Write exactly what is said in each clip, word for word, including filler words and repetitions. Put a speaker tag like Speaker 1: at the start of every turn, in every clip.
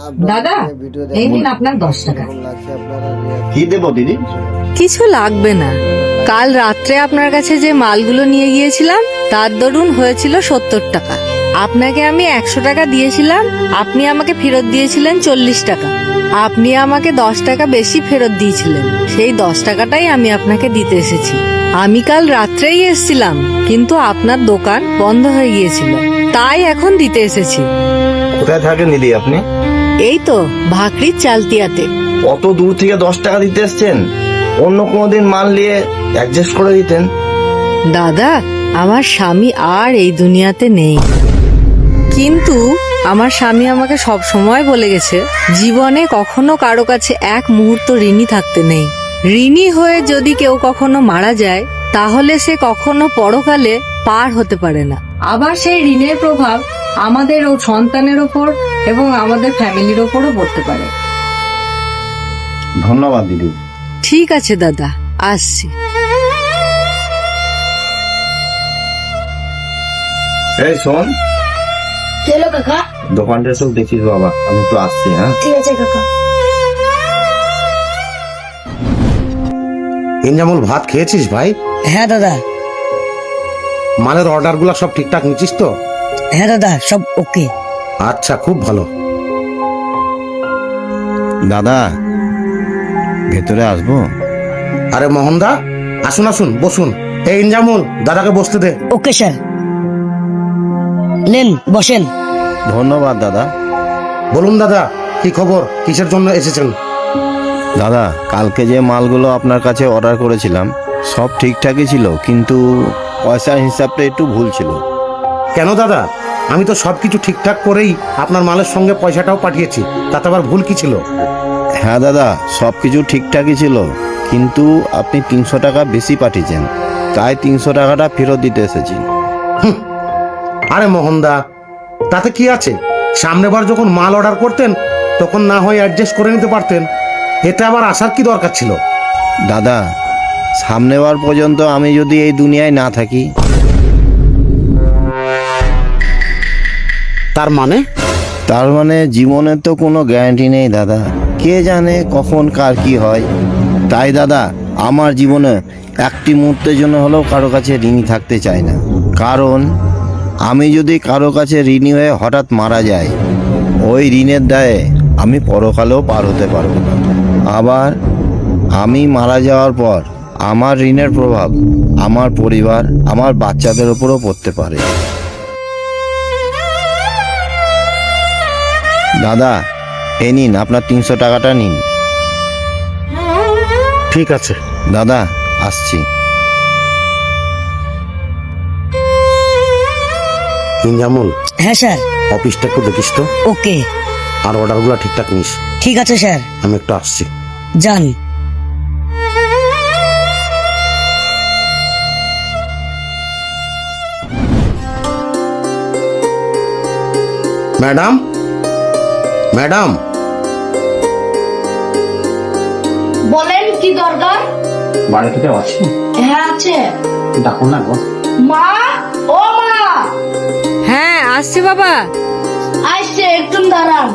Speaker 1: দাদা এই নিন আপনার দশ টাকা।
Speaker 2: কি দেবো দিদি?
Speaker 3: কিছু লাগবে না। কাল রাত্রে আপনার কাছে যে মালগুলো নিয়ে গিয়েছিলাম তার দরুন হয়েছিল সত্তর টাকা। আপনাকে আমি একশো টাকা দিয়েছিলাম, আপনি আমাকে ফেরত দিয়েছিলেন চল্লিশ টাকা। আপনি আমাকে দশ টাকা বেশি ফেরত দিয়েছিলেন, সেই দশ টাকাটাই আমি আপনাকে দিতে এসেছি। আমি কাল রাত্রেই এসেছিলাম, কিন্তু আপনার দোকান বন্ধ হয়ে গিয়েছিল, তাই এখন দিতে এসেছি।
Speaker 2: কোথায় থাকেন দিদি আপনি?
Speaker 3: এই তো ভাকরির চালতিয়াতে।
Speaker 2: অত দূর থেকে দশ টাকা দিতে এসছেন, অন্য কোনোদিন মাল নিয়ে অ্যাডজাস্ট করে দিতেন।
Speaker 3: দাদা, আমার স্বামী আর এই দুনিয়াতে নেই, কিন্তু আমার স্বামী আমাকে সব সময় বলে গেছে জীবনে কখনো কারো কাছে এক মুহূর্ত ঋণী থাকতে নেই। ঋণী হয়ে যদি কেউ কখনো মারা যায় তাহলে সে কখনো পরকালে পার হতে পারে না। আবার সেই ঋণের প্রভাব আমাদের ও সন্তানের ওপর এবং আমাদের ফ্যামিলির ওপরও পড়তে পারে।
Speaker 2: ধন্যবাদ দিদি।
Speaker 3: ঠিক আছে দাদা, আসছি।
Speaker 2: এই শোন,
Speaker 4: চলো কাকা।
Speaker 2: দোকানটা সব দেখিস বাবা, আমি তো আসছি। হ্যাঁ
Speaker 4: ঠিক আছে কাকা।
Speaker 5: ইনজামুল, ভাত খেয়েছিস ভাই?
Speaker 6: হ্যাঁ দাদা।
Speaker 5: মালের অর্ডার গুলা সব ঠিকঠাক নিচ্ছিস তো?
Speaker 6: হ্যাঁ দাদা, সব ওকে।
Speaker 5: আচ্ছা, খুব ভালো।
Speaker 2: দাদা, ভেতরে আসবো?
Speaker 5: আরে মোহনদা, আসুন আসুন, বসুন। এই ইনজামুল, দাদাকে বসতে দে।
Speaker 6: ওকে স্যার, নেন বসেন।
Speaker 2: ধন্যবাদ দাদা।
Speaker 5: বলুন দাদা, কি খবর? কিসের জন্য এসেছেন?
Speaker 2: দাদা, কালকে যে মালগুলো আপনার কাছে অর্ডার করেছিলাম সব ঠিকঠাকই ছিল, কিন্তু পয়সার হিসাবটা একটু ভুল ছিল।
Speaker 5: কেন দাদা? আমি তো সবকিছু ঠিকঠাক করেই আপনার মালের সঙ্গে পয়সাটাও পাঠিয়েছি, তাতে আবার ভুল কি ছিল?
Speaker 2: হ্যাঁ দাদা, সব কিছু ঠিকঠাকই ছিল, কিন্তু আপনি তিনশো টাকা বেশি পাঠিয়েছেন, তাই তিনশো টাকাটা ফেরত দিতে এসেছি।
Speaker 5: আরে মোহনদা, তাতে কি আছে? সামনেবার যখন মাল অর্ডার করতেন তখন না হয় অ্যাডজাস্ট করে নিতে পারতেন, এতে আবার আসার কি দরকার ছিল?
Speaker 2: দাদা, সামনেবার পর্যন্ত আমি যদি এই দুনিয়ায় না থাকি।
Speaker 5: তার মানে?
Speaker 2: তার মানে জীবনের তো কোনো গ্যারান্টি নেই দাদা, কে জানে কখন কার কি হয়। তাই দাদা, আমার জীবনে একটি মুহূর্তের জন্য হলেও কারো কাছে ঋণী থাকতে চাই না, কারণ আমি যদি কারো কাছে ঋণী হয়ে হঠাৎ মারা যাই, ওই ঋণের দায়ে আমি পরকালেও পার হতে পারবো না। আবার আমি মারা যাওয়ার পর আমার ঋণের প্রভাব আমার পরিবার, আমার বাচ্চাদের উপরও পড়তে পারে। দাদা, এ নিন আপনার তিনশো টাকাটা নিন।
Speaker 5: ঠিক আছে
Speaker 2: দাদা, আসছি।
Speaker 5: ইনজামুল,
Speaker 6: হ্যাঁ স্যার।
Speaker 5: অফিসটা একটু দেখিস তো,
Speaker 6: ওকে।
Speaker 5: আর অর্ডারগুলো ঠিকঠাক নিস।
Speaker 6: ঠিক আছে স্যার।
Speaker 5: আমি একটু আসছি।
Speaker 6: যান।
Speaker 5: ম্যাডাম, ম্যাডাম,
Speaker 4: বলেন কি দরকার?
Speaker 1: বাড়িতে কেউ আছে?
Speaker 4: হ্যাঁ আছে।
Speaker 1: ডাকুন না গো।
Speaker 4: মা, ও মা,
Speaker 3: হ্যাঁ আসছি বাবা।
Speaker 4: আসছে, একটু দাঁড়ান।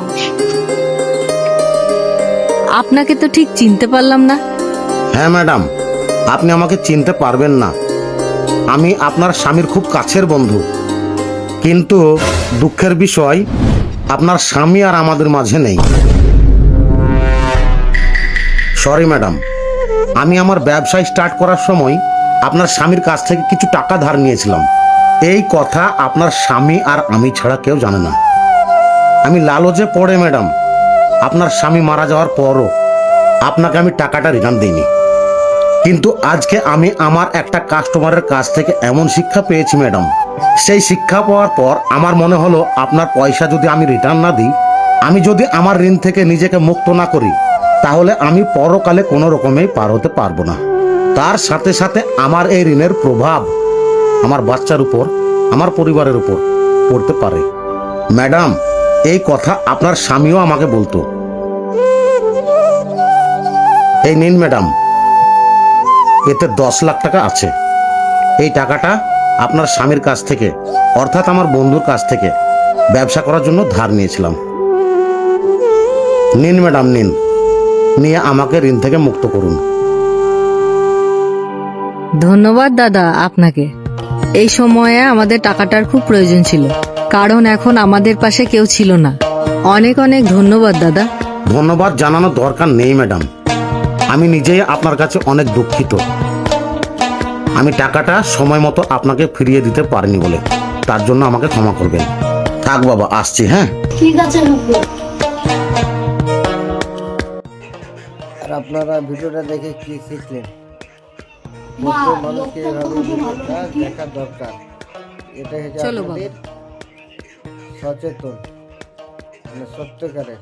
Speaker 3: আপনাকে তো ঠিক চিনতে পারলাম না।
Speaker 5: হ্যাঁ ম্যাডাম, আপনি আমাকে চিনতে পারবেন না। আমি আপনার স্বামীর খুব কাছের বন্ধু, কিন্তু দুঃখের বিষয় আপনার স্বামী আর আমাদের মাঝে নেই। সরি ম্যাডাম, আমি আমার ব্যবসা স্টার্ট করার সময় আপনার স্বামীর কাছ থেকে কিছু টাকা ধার নিয়েছিলাম। এই কথা আপনার স্বামী আর আমি ছাড়া কেউ জানে না। আমি লালচে পড়ে ম্যাডাম আপনার স্বামী মারা যাওয়ার পরও আপনাকে আমি টাকাটা রিটার্ন দিইনি, কিন্তু আজকে আমি আমার একটা কাস্টমারের কাছ থেকে এমন শিক্ষা পেয়েছি ম্যাডাম, সেই শিক্ষা পাওয়ার পর আমার মনে হলো আপনার পয়সা যদি আমি রিটার্ন না দিই, আমি যদি আমার ঋণ থেকে নিজেকে মুক্ত না করি, তাহলে আমি পরকালে কোনো রকমেই পার হতে পারবো না। তার সাথে সাথে আমার এই ঋণের প্রভাব আমার বাচ্চার উপর, আমার পরিবারের উপর পড়তে পারে। ম্যাডাম, এই কথা আপনার স্বামীও আমাকে বলতো। এই নিন ম্যাডাম, এতে দশ লাখ টাকা আছে। এই টাকাটা আপনার স্বামীর কাছ থেকে, অর্থাৎ আমার বন্ধুর কাছ থেকে ব্যবসা করার জন্য ধার নিয়েছিলাম। নিন ম্যাডাম নিন, নিয়ে আমাকে ঋণ থেকে মুক্ত করুন।
Speaker 3: ধন্যবাদ দাদা আপনাকে। এই সময়ে আমাদের টাকাটার খুব প্রয়োজন ছিল, কারণ এখন আমাদের পাশে কেউ ছিল না। অনেক অনেক ধন্যবাদ দাদা।
Speaker 5: ধন্যবাদ জানানোর দরকার নেই ম্যাডাম, আমি নিজেই আপনার কাছে অনেক দুঃখিত। আমি টাকাটা সময় মতো আপনাকে ফিরিয়ে দিতে পারিনি বলে, তার জন্য আমাকে ক্ষমা করবেন। থাক বাবা, আসছি। হ্যাঁ,
Speaker 4: ঠিক আছে নুপুর।
Speaker 7: আর আপনারা ভিডিওটা দেখে কি শিখলেন?
Speaker 4: মা,
Speaker 7: প্রত্যেক মানুষকে
Speaker 4: লোকটা
Speaker 7: এভাবে
Speaker 4: খুবই ভালো
Speaker 7: ভিডিওটা
Speaker 4: বুদ্ধি।
Speaker 7: দেখা দরকার। এটা হচ্ছে
Speaker 3: চলো বাবা।
Speaker 7: আপনাদের সচেতন, মানে সত্যকারে